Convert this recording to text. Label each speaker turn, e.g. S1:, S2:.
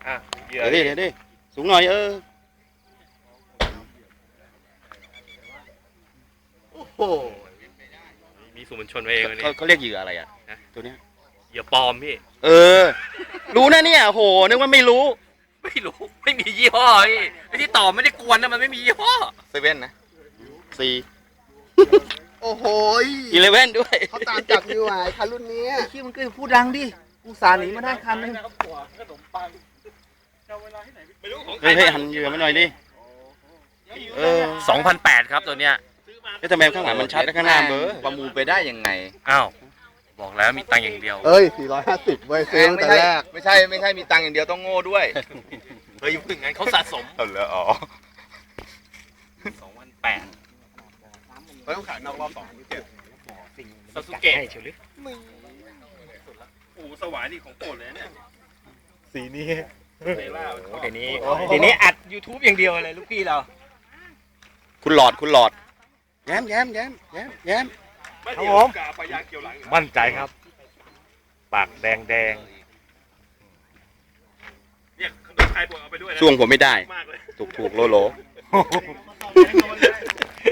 S1: เหยื่อ
S2: เดี๋ยวดิสูงหน่อย
S1: โอ้โหมีสื่อมวลชนมาเองวันนี้
S2: เขาเรียกเหยื่ออะไรอ่ะตัวเนี้ย
S1: เหยื่อปลอมพี่
S2: รู้นะเนี่ยโหนึกว่าไม่รู้
S1: ไม่รู้ไม่มียี่ห้อพี่ไอ้ที่ตอบไม่ได้กวนนะมันไม่มียี่ห้อ
S3: เซเว่นนะ
S2: สี่
S4: โอ้โห
S2: 11ด้วย
S4: เขาตามจับอยู่อ่ะคันรุ่นนี้
S5: ขี้มันก็พูดดังดิอุตส่าห์หนีมาได้คันนึง
S2: เฮ้ยหันเหยื่อมาหน่อยดิ
S1: 2008ครับตัวเนี้ย
S2: ทำไมข้างหลังมันชัดและข้างหน้าเบอร์
S3: ประมูลไปได้ยังไง
S1: อ้าวบอกแล้วมีตังค์อย่างเดียว
S4: เอ้ย 450เว้ยซื้อตั้งแต่แรก
S3: ไม่ใช่มีตังค์อย่างเดียวต้องโง่ด้วย
S1: เฮ้ยพึ่งงั้นเขาสะสม
S3: เอาเลยอ๋อ
S1: 2008
S4: เขาต้องขายนอกรอบ2
S1: ซาสุเกะโอ้สวายนี่ของโปรดเลยเนี่ย
S4: สีนี้
S1: เดี๋ยว
S5: นี้อัด YouTube อย่างเดียวเลยลูกพี่เรา
S2: คุณหลอดแย้ม
S1: ครับผม
S6: มั่นใจครับ ปากแดง
S1: เนี่ยขนมไทยผมเอาไปด้วยนะ
S2: ช่วงผมไม่ได้
S1: มากเลย
S2: ถูกโล